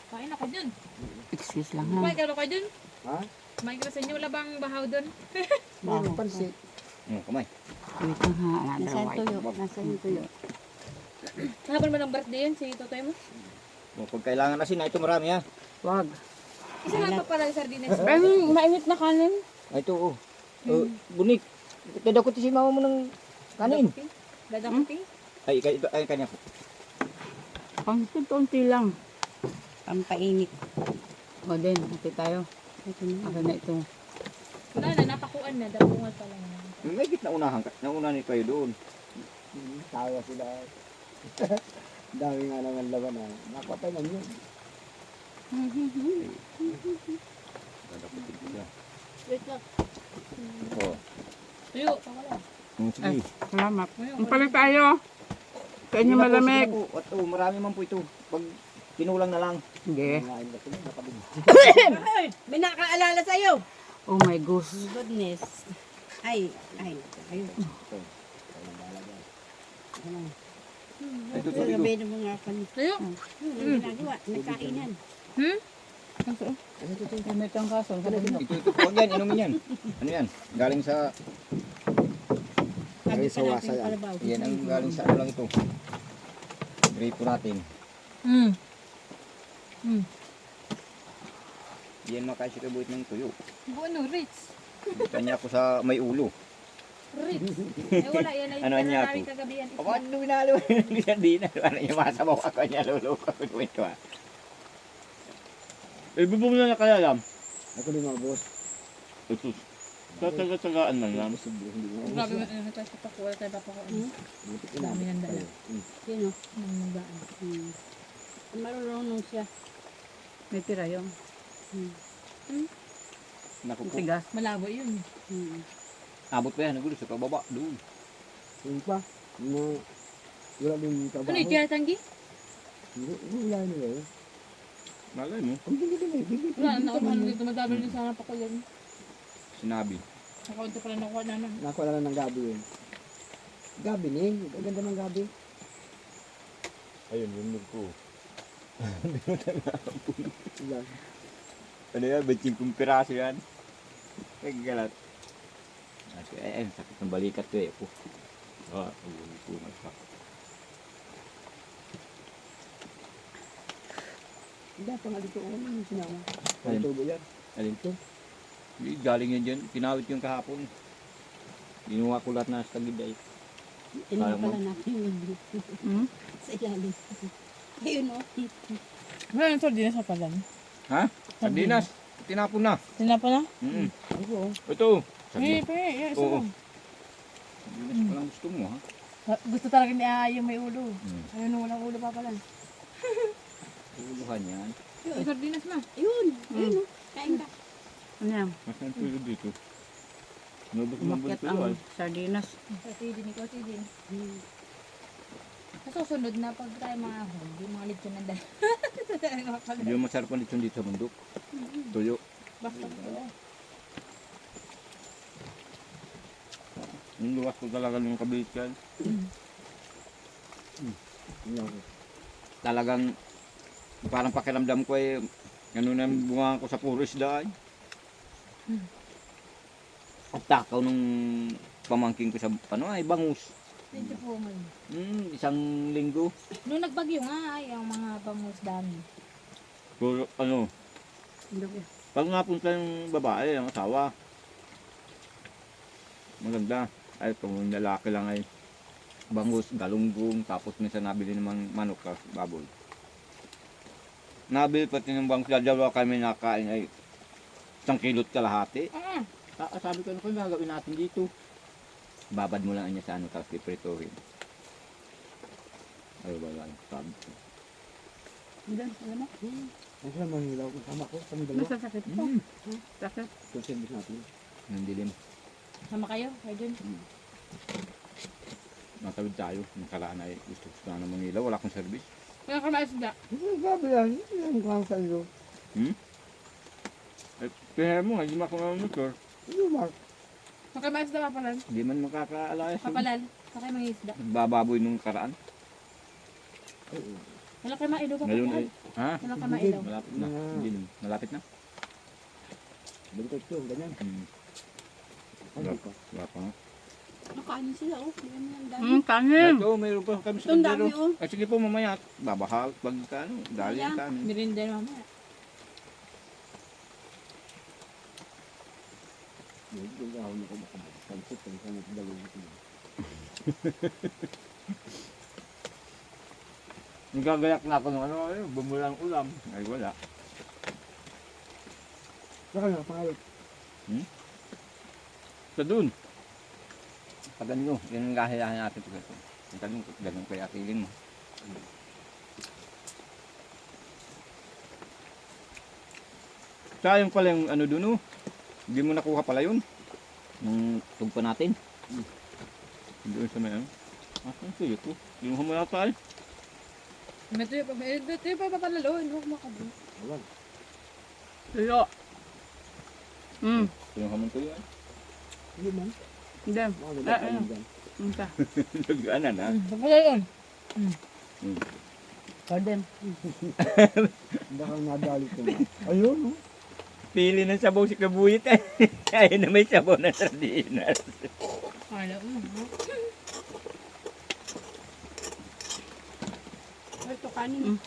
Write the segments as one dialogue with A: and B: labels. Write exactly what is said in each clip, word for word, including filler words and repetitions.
A: Kain ako dun.
B: Excuse lang
A: Kumain
B: ha.
A: ka ba kayo dun?
C: Ha?
A: Kumain ka sa inyo. Wala bang bahaw dun?
C: Meron pansit.
D: Hmm, kamay.
B: Wait lang ha. Another
E: Nasa yung
B: white.
E: tuyo. Nasa yung tuyo.
A: Hapon ba ng birthday yun? Si Totoy mo?
D: Oh, pag kailangan asin, ito marami ha.
B: Wag.
A: Isa nga pa pala yung sardinas.
E: Ay, mainit na kanin.
D: Ay, ito oh. Oh, bunik. Tada ko si mama mo ng kanin.
A: Dadakuti?
D: Ay, kay- ito, ay, kanya po.
B: Konti-konti lang.
E: Pampainit.
B: O din, hati tayo.
E: Ito na.
B: Ako na ito.
A: Wala na, napakuan na. Dabungal pa lang.
D: May git na unahan ka. Nauna ni kayo doon.
C: Hmm, Tawa sila. Dami nga naman laban na. Nakapatay lang yun.
D: Dadakutin ko siya.
A: Wait lang.
D: Oh.
A: Tuyo. Pakala.
D: Hmm, sige.
B: Salamat. Ang pala tayo. Sa inyo
D: Sige na po,
B: malamig.
D: sige na po. At, oh, marami man po ito. Pag tinulang na lang.
B: Sige.
C: Ngayon na sila. Nakabili.
E: May nakaalala sa'yo.
B: Oh my gosh.
E: Goodness. Ay, ay. Ayun.
D: Ito, ito,
E: Ito,
D: ito.
E: gabi ng mga pan.
A: Tuyo.
E: Yung ginagawa. Nagkainan.
A: Hmm?
B: May kang kaso.
D: Ito, ito. Huwag yan, inumin yan. Ano yan? Galing sa,
E: Sabi
C: Ay,
E: pa
C: sawa
E: natin
C: saya.
E: kalabaw.
D: yan ang galing sa ano lang ito. Gripo natin.
A: Hmm. Hmm.
D: Yan makasikabuit ng tuyo.
A: Bueno, Ritz.
D: Kanya ako sa may ulo.
A: Ritz. Eh wala, yan ay
D: Ano
A: ano
D: niya
A: namin
D: to?
A: kagabihan.
D: Ako, ano binalo? Hindi na, di na. Ano yung masabaw ako niya, luloko ko ito ah. Eh, bubong na nakayalam.
C: Ako din mga boss.
D: Ito. Tataga-tagaan man lang.
C: Posible, hindi mo.
A: Grabe, ano tayo sa pakuha, tayo papakuha.
E: Hmm?
C: Buti
A: Dami ng dala.
C: Hmm.
E: Sino?
A: Nang nagaan.
E: Hmm. Marunong siya.
B: May tira yung
E: Hmm.
D: Naku po.
B: tigas.
A: Malabo yun.
E: Hmm.
D: Abot pa yan, nagulo sa pababa. Doon.
C: Yung pa. Mga wala din trabaho.
A: Ano yung tiyara tanggi?
C: Hindi, hindi wala nila eh.
D: Malay mo.
C: Ang bigil din eh. Bigil.
A: Wala, nauman dito. Madami rin sana pa ko yan.
D: Sinabi.
A: Nakaunti pala nakuha na na.
C: Nakuha lang ng gabi yun. Gabi ning. Ang ganda ng gabi.
D: Ayun, yung ko.
C: Wala.
D: Ano yan, ba't piraso yan? Ay, galat. Ay, ay, sakit ng balikat ko eh. Oh. Ah, ulo ko nagsak.
C: Hindi, pa nga dito. Ano yung sinama?
D: Ayun.
C: Ang tubo yan.
D: Alin to? Hindi, galing yan dyan. Kinawit yung kahapon. Ginuha ko lahat na sa tagid ay.
E: Inuha
D: Kaya mo?
E: pala natin yung
B: Hmm?
E: sa ilalim. Ayun o.
A: Wala yung sardinas sa palan.
D: Ha? Sardinas. Tinapon na.
A: Sinapa na?
D: Mm.
C: Ako.
D: Ito.
A: Eh,
D: Sardinas.
A: pe, yan, isa
D: Oo.
A: lang.
D: Sardinas pa lang gusto mo ha.
A: Ah, Gusto talaga ni ah, yung may ulo.
D: Hmm.
A: Ayun, walang ulo pa pala.
D: Uluhan yan.
A: Yung sardinas ma.
E: Ayun. Ayun o. Kain ka.
B: Ano yan?
D: Masan tulo dito? Nubos mo
B: Umakyat
D: tulo ay.
B: ang sardinas.
A: Kasi din, ikaw si din.
E: Hmm.
A: Sa susunod na pag tayo mga ahon, yung mga lechon ng dala.
D: Hindi mo masarap ang lechon dito sa bundok. Tuyo.
A: Basta ko.
D: Yung luwas ko talaga ng kabilit yan.
C: Yan.
D: Talagang parang pakiramdam ko eh ano na yung bunga ko sa puro isda ay. At takaw nung pamangking ko sa ano ay bangus.
A: Medyo po man.
D: Hmm, isang linggo.
A: Nung nagbagyo nga, ay, ang mga bangus dami.
D: Pero ano, pag napunta yung babae, ang asawa, maganda. Ay, kung lalaki lang ay bangus, galunggong, tapos minsan nabili naman manok ka, baboy. Nabili pati ng bangus, dalawa kami nakain ay isang kilot kalahati.
A: Ah,
D: Ah, sabi ko, ano kung gagawin natin dito? Babad mo lang niya sa ano, tapos ipritohin. Ay, wala. Sabi ko.
B: Diyan, alam mo?
C: Ang sila manghilaw kung sama ko. Kami dalawa.
B: Masasakit po.
D: Mm.
B: Sakit.
C: Kung service natin.
D: Nang dilim.
A: sama kayo, kayo dun.
D: Matawid tayo. Nakaraan ay gusto gusto na namang ilaw. Wala akong service.
A: Kaya ka maisda.
C: Hindi, gabi yan. Hindi lang sa iyo.
D: Hmm? Eh, kaya mo, hindi mo ako mamotor.
C: Hindi, Mark.
A: Kaya maisda papalan.
D: Hindi man makakaalayas.
A: Papalal. Kaya mga isda.
D: Bababoy nung karaan.
C: Oo.
E: Wala kayo maido pa.
D: Ngayon ay, ha?
E: Wala kayo maido.
D: Malapit na.
C: Ah.
D: Hindi na. Malapit na.
C: Balikat ko, ganyan.
D: Hmm.
C: Ay,
D: Wala
C: di pa.
D: Wala pa nga.
E: Nakaano sila oh. Mayroon lang dami.
B: Hmm, kanin.
D: Ito, mayroon pa kami sa
E: Ito, ang dami,
D: kaldero.
E: oh.
D: Ay, sige po, mamaya. Babahal. Pag ano, dali
E: Ayan.
D: ang kanin.
A: Merinda mamaya.
C: Hindi ko ako nakabakansip. Ang sangat dalawin ko.
D: Nagagayak na ako ng ano, ano, bumulang ulam. Ay, wala.
C: Saka nga, pangalit.
D: Sa dun. Pag ano, yun ang gahilahan natin pag ito. Ang ganun, ganun kaya atilin mo. Sayang pala yung ano dun, oh. Hindi mo nakuha pala yun. Yung tugpa natin. Doon sa may ano. Ah, ang suyo ko. Yung humulata eh.
A: May tuyo pa, may tuyo pa pa palalo. Hindi ko makabun.
C: Awan.
B: Tuyo. Hmm.
D: Yung hamon ko yun.
C: Hindi man.
B: Hindi.
C: Mga
B: Ah,
C: nagkakain
B: ano?
C: dyan.
B: Hmm, ka.
D: Nag-ano na.
A: Pagpala yun.
B: Garden.
C: Baka nadali ko na. Ayun, no?
D: Pili ng sabaw si Kabuyit eh. Ayun na may sabaw na sardinas.
A: Kala mo.
E: Ito kanin.
B: Mm.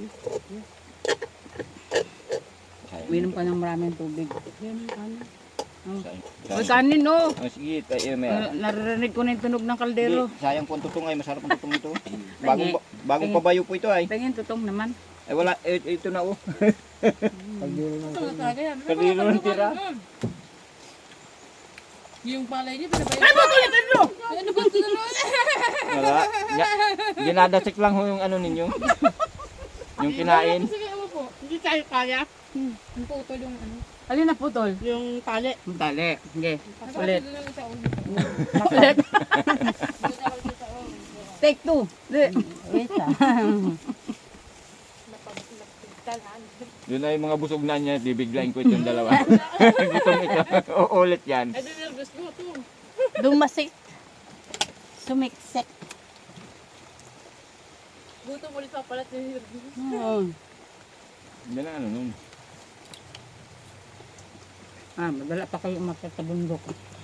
B: Uminom ka ng maraming tubig.
E: Yan ang kanin.
B: Uy, kanin no.
D: Oh, sige, tayo may
B: Uh, naririnig ko na yung tunog ng kaldero.
D: Hindi, sayang po ang tutong ay, masarap ang tutong ito. Bagong,
B: Tangi.
D: ba- bagong
B: Tangi.
D: pabayo po ito ay.
B: Tingin, tutong naman.
D: Ay wala, eh, ito na oh.
C: Pagdiro ng
A: Ito na talaga yan. May
D: Kanino
A: mga
D: ang tira?
A: kalungan, mm. Yung palay niya, pinabayad. Ay, ba't ulit ano? Ano ba ito na?
D: Wala. Ya, ginadasik lang ho yung ano ninyo. Yung kinain.
A: Sige, ano po.
E: Hindi tayo kaya.
A: Yung putol yung ano.
B: Alin na putol?
E: Yung tali.
B: Dali. Sige.
A: Kasi
B: Ulit.
A: doon lang sa ulo.
B: Ulit.
A: Doon ako sa ulo.
B: Take two. Di. Wait ah.
A: Napagtalan.
D: Yun ay mga busog na niya, bibiglayin ko itong dalawa. Gitong ito. Uulit yan.
A: Ay, doon nervous ko ito.
E: Dumasik. Sumiksik.
A: Gutom ulit pa pala ito yung nervous.
E: Oo.
D: Hindi na ano nun.
B: Ah, madala pa kayo umakyat sa bundok.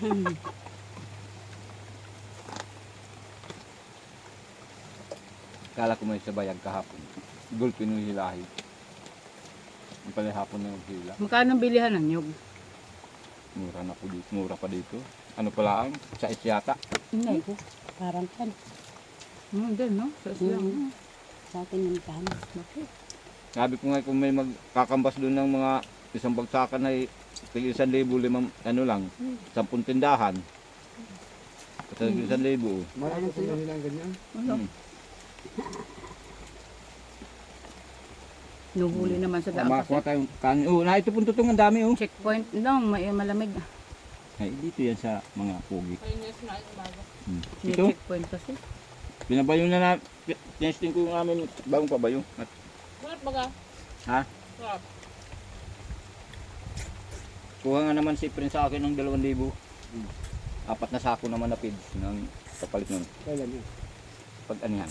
D: Kala ko may sabayag kahapon. Gulpin yung hilahi. Yung pala hapon na yung hila.
B: Magkano ang bilihan ng nyug?
D: Mura na po dito. Mura pa dito. Ano pala ang? Sa isyata.
E: Hindi ko. Parang kan.
B: Hmm, din no? Sa islang.
E: Mm. Sa akin yung kanin. Bakit?
D: Sabi ko nga kung may magkakambas doon ng mga isang bagsakan ay tig isang libo limang ano lang. Sampung tindahan. Kasi isang libo.
C: Marami ko na nilang ganyan.
B: Ano?
D: Hmm.
B: Nuhuli naman sa daan
D: Makakuha
B: kasi.
D: tayong kanin. Oh, na ito pong tutong ang dami oh.
B: Checkpoint lang, may malamig.
D: Ay, dito yan sa mga pugi.
A: Ayun yung sinabi ng bago.
D: Hmm.
B: May
D: Ito,
B: checkpoint kasi.
D: binabayo na na. Testing ko namin bagong pabayo. At,
A: Sarap baga.
D: ha?
A: Sarap.
D: Kuha nga naman si Prince sa akin ng dalawang libo. Apat na sako naman na pids ng kapalit nun.
C: Kailan yun?
D: Pag anihan.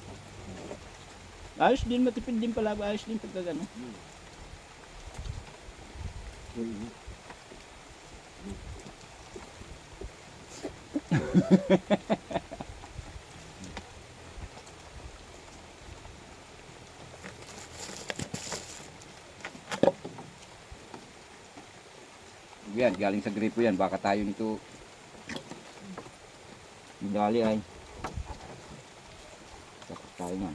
D: Ayos din, matipid din pala. Ayos din pag gano.
C: Ayun, no?
D: Yan, galing sa gripo yan. Baka tayo nito medali ay. Tapos tayo nga.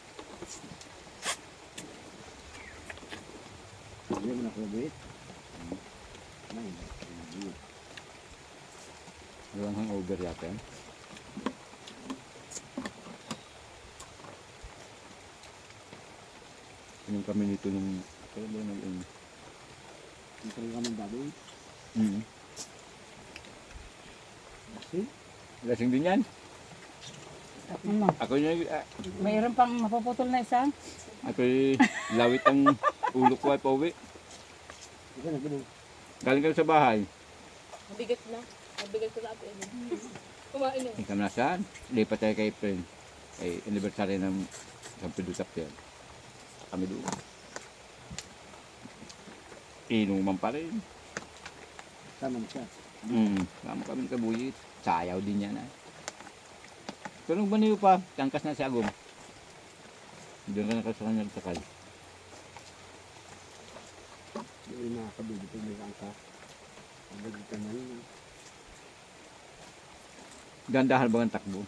C: Hindi mo nakabit. Ay, hindi.
D: Walang hangover yata yan. Yung kami nito nung kaya ba nag ano?
C: Hindi talaga ng baboy.
D: Mm.
C: Kasi,
D: Lasing din yan.
B: Ano?
D: Ako yung ah,
B: Mayroon pang mapuputol na isa.
D: ako yung lawit ang ulo ko ay pauwi.
C: ika na, ganun.
D: Galing kami sa bahay.
A: Mabigat na. Mabigat ko na ako. Kumain na.
D: Ikaw na saan? Lipat tayo kay friend. Ay anniversary ng San Pedro Tapia. kami doon. Inuman pa rin.
C: Taman siya.
D: Hmm, kamo kami kabuyit. Sayaw din yan. Ah. Pero nung baniyo pa, tangkas na si Agom. Doon ka nakasakay nagsakay.
C: Yung mga kabili ko may angka. Ang ka na yun.
D: Gandahan ba ang takbo?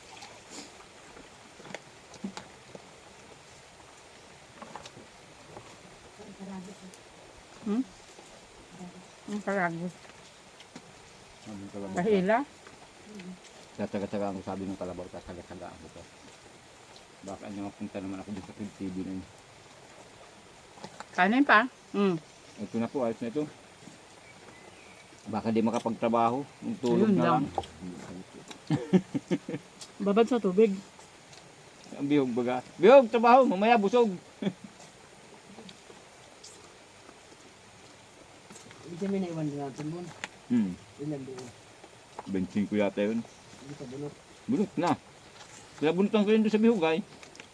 B: Hmm? Ang karagos.
D: Sabi ko lang.
B: Kahila.
D: Tataga-taga ang sabi ng kalabaw, tataga-taga ako to. Baka niya mapunta naman ako dun sa T V na yun.
B: Kanin pa? Hmm.
D: Ito na po, ayos na ito. Baka di makapagtrabaho, yung tulog
B: Ayun
D: na
B: lang.
D: lang.
B: Babad sa tubig.
D: Ang bihog baga. Bihog, trabaho, mamaya busog.
C: Hindi kami naiwan din natin mo.
D: Hmm,
C: Ilan doon.
D: bensin ko yata yun.
C: Hindi ka bunot.
D: Bunot na. Kaya bunutan ko yun doon sa bihog ay.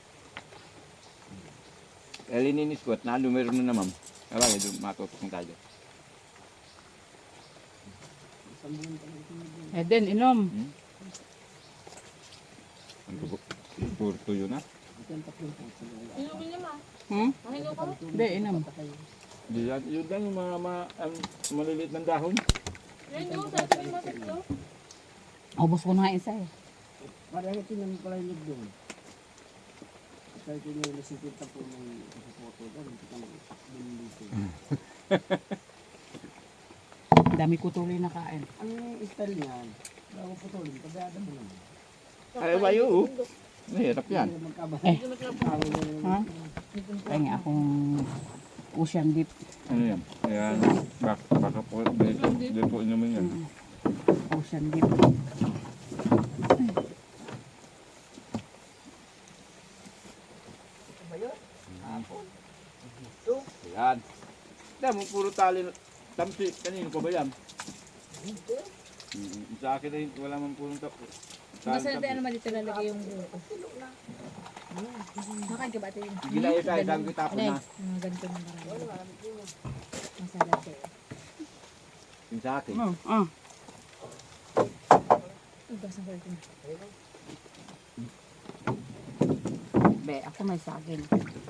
D: Kaya lininis ko at nalo meron na naman. Kaya bagay doon, matutok na tayo.
C: Isang buwan ka na ito.
B: Eh din, inom.
D: Hmm? Ang tubo- puro tuyo na.
C: Ito ang tatlong pangsa na wala.
A: Inumin niya ma.
B: Hmm?
A: Mahigaw ka?
B: Hindi, inom.
D: Di yan, yun lang yung mga, mga ang maliliit ng dahon.
A: Yan yung sa sabi mo sa ito.
B: Ubus ko na isa eh.
C: Parang ito naman pala yung doon. Kahit yun yung nasipit na po ng photo doon. Ito kang doon dito.
B: Dami ko tuloy na kain.
C: Ang style niyan, bago po tuloy, pagdada mo naman.
D: Ay, bayo. Mahirap yan.
C: Hindi naman kabay.
B: Eh.
C: Tawag mo naman.
B: Ha? Kaya nga akong ocean dip.
D: Ano yan? Ayan. Bak baka po, dito, dito po inumin yan.
B: Mm. Ocean dip.
D: Ayan. Dahil mo puro tali. Tamsi, kanino pa ba yan? Mm, sa akin ay wala man purong tap.
A: Basta natin ano naman dito lalagay yung buko. Makain ka ba ito yun?
D: Gilayo sa isang kitapon na.
A: Mga ganito ng marami. Masalat eh.
D: Yung sa akin.
B: Oh, ah.
A: Ugas ng kulit na.
B: Be, ako may saging.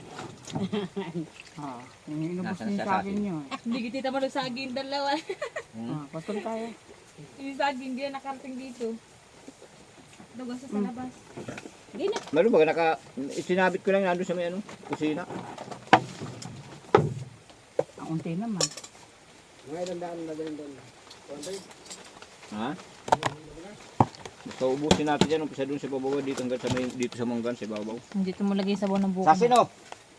B: ah, inubos
D: Nasaan
B: niyo
D: siya
B: sa akin
D: saging?
B: yun.
A: Hindi kita mo saging dalawa.
B: Ah, patol tayo.
A: Yung saging hindi na nakarating dito. Lugas sa labas. Hindi na.
D: Lalo ba naka isinabit ko lang nandun sa may ano, kusina.
B: Ang unti naman.
C: Mga ilang daan na din doon.
D: Ha? Basta ubusin natin yan, umpisa doon sa babaw dito hanggang sa may dito sa manggan sa babaw.
A: Dito mo lagay sabaw ng buko.
D: Sasin oh.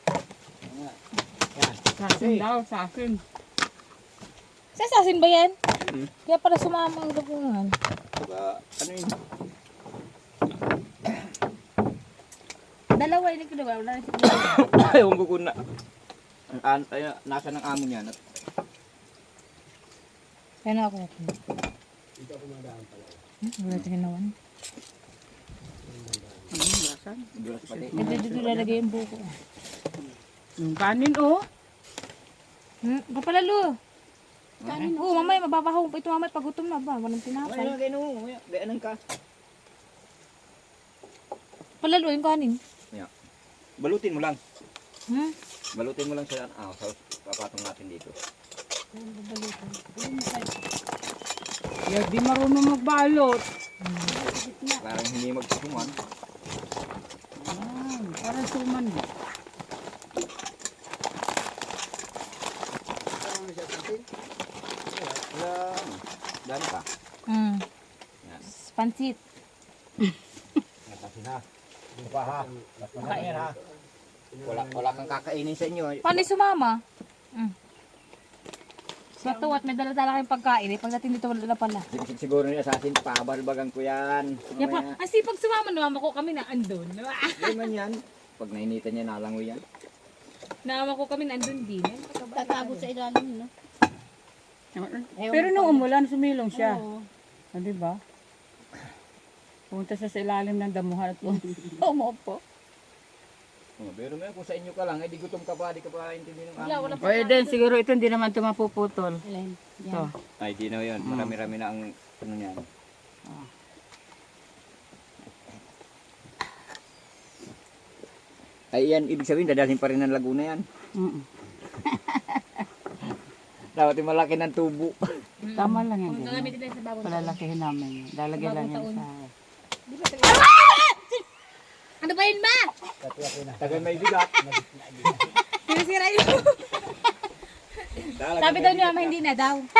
B: Sa akin daw, sa akin.
A: Sa sasin ba yan?
D: Hmm.
A: Kaya para sumama ang dugungan.
D: Saka ano yun?
A: Dalawa yun ko wala na siya.
D: Ewan ko kung na, ang, an, ay, nasa ng amo niya. At,
A: Kaya na ako.
C: Dito ako madaan pala.
A: Hmm, wala siya ginawan.
B: Ano yung lasan?
D: Dulas pati.
A: Dito dito lalagay yung buko.
B: Yung kanin, oh.
A: Hmm, kapalalo. Kanin. Oo, mamaya mababaho pa ito mamaya pag gutom na ba? Walang
D: Ay,
A: tinapay.
D: ano kayo nung, gaanan ka.
A: Palalo yung kanin.
D: Balutin mo lang.
A: Hmm?
D: Balutin mo lang sa, ah, sa papatong natin dito.
B: Yeah, di marunong magbalot.
D: Parang hindi magsusuman.
B: Ah, parang suman.
C: Parang siya satin.
D: Wala, dami pa.
A: Hmm.
D: Yan.
A: Pansit.
D: Natasin ha. Yung pa ha. Natasin ha. Wala, wala kang kakainin sa inyo.
A: Paano yung sumama? Hmm. Sa tuwat, may dala-dala kayong pagkain. Eh. Pagdating dito, wala na pala.
D: Sig- Siguro ni Assassin, pabalbagan ko yan.
A: Yan pa, ang sipag sumama, naman ko kami na andun.
D: Hindi man yan. Pag nainitan niya, nalangoy yan.
A: Naman ko kami na andun din. Eh.
E: Tatago sa ilalim, no?
B: Pero nung umulan, sumilong siya.
E: Oo.
B: Ah, di ba? Pumunta siya sa ilalim ng damuhan at umupo.
D: Oh, pero may kung sa inyo ka lang, eh di gutom ka pa, di ka pa intindihin ng
A: Wala, wala
B: O eh, din, siguro ito hindi naman ito mapuputol.
E: Alin.
B: Ito.
E: Yan.
D: Ay, di na yun. Marami-rami na ang ano niyan.
B: Ah.
D: Ay, yan, ibig sabihin, dadalhin pa rin ng Laguna yan.
B: Mm-mm.
D: Dapat yung malaki ng tubo.
B: Tama lang yan.
A: Kung
B: ganyan.
A: gagamitin tayo sa bagong taon.
B: Palalakihin namin. Lalagyan lang yan
A: Bagong
B: sa...
A: Di ba tayo? Ano ba yun ba?
D: Tagal may bigat.
A: Sinisira yun. Sabi daw niya, hindi na daw.